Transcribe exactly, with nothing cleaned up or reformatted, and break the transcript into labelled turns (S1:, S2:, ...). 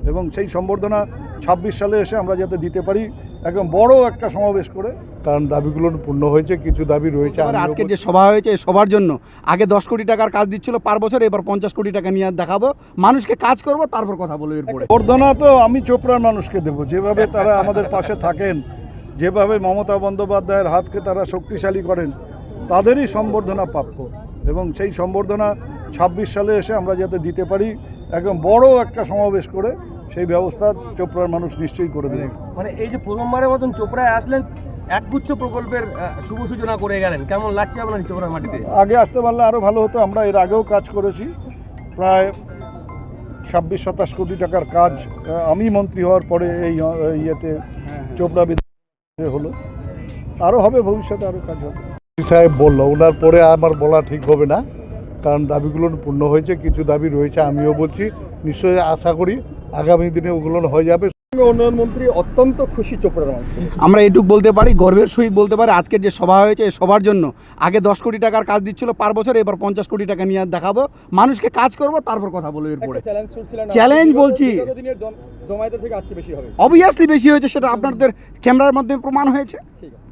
S1: এবং সেই সম্বর্ধনা ছাব্বিশ সালে এসে আমরা যাতে দিতে পারি একদম বড় একটা সমাবেশ করে, কারণ দাবিগুলো পূর্ণ হয়েছে, কিছু দাবি রয়েছে।
S2: আজকে যে সভা হয়েছে সবার জন্য আগে দশ কোটি টাকার কাজ দিচ্ছিল পার বছর, এবার পঞ্চাশ কোটি টাকা নিয়ে দেখাবো, মানুষকে কাজ করব, তারপর কথা বলবো। এরপরে
S1: সম্বর্ধনা তো আমি চোপড়ার মানুষকে দেবো, যেভাবে তারা আমাদের পাশে থাকেন, যেভাবে মমতা বন্দ্যোপাধ্যায়ের হাতকে তারা শক্তিশালী করেন, তাদেরই সম্বর্ধনা প্রাপ্য। এবং সেই সম্বর্ধনা ছাব্বিশ সালে এসে আমরা যাতে দিতে পারি একদম বড় একটা সমাবেশ করে, সেই ব্যবস্থা চোপড়ার মানুষ নিশ্চয়ই করে দেবে।
S3: মানে এই যে প্রথমবারের মতন চোপড়ায় আসলেন, একগুচ্ছ প্রকল্পের শুভ সূচনা করে গেলেন, কেমন লাগছে আপনার চোপড়ার মাটিতে?
S1: আগে আসতে পারলে আরও ভালো হতো। আমরা এর আগেও কাজ করেছি, প্রায় ছাব্বিশ সাতাশ কোটি টাকার কাজ আমি মন্ত্রী হওয়ার পরে এই ইয়েতে চোপড়া বিধানসভায় হলো। আরও হবে, ভবিষ্যতে আরও কাজ হবে। সাহেব বললো, ওনার পরে আমার বলা ঠিক হবে না, কারণ দাবিগুলো পূর্ণ হয়েছে, কিছু দাবি রয়েছে। আমিও বলছি, নিশ্চয়ই আশা করি আগামী দিনে ওগুলো হয়ে যাবে।
S3: উন্নয়ন মন্ত্রী অত্যন্ত খুশি চোপড়ার মানুষ।
S2: আমরা এটুক বলতে পারি, গর্বের সহিত বলতে পারি, আজকের যে সভা হয়েছে সবার জন্য আগে দশ কোটি টাকার কাজ দিচ্ছিল পার বছর, এবার পঞ্চাশ কোটি টাকা নিয়ে দেখাবো, মানুষকে কাজ করব, তারপর কথা বলবো। এরপরে চ্যালেঞ্জ বলছি,
S3: জমায়েতের থেকে আজকে বেশি হবে,
S2: অবভিয়াসলি বেশি হয়েছে, সেটা আপনাদের ক্যামেরার মাধ্যমে প্রমাণ হয়েছে।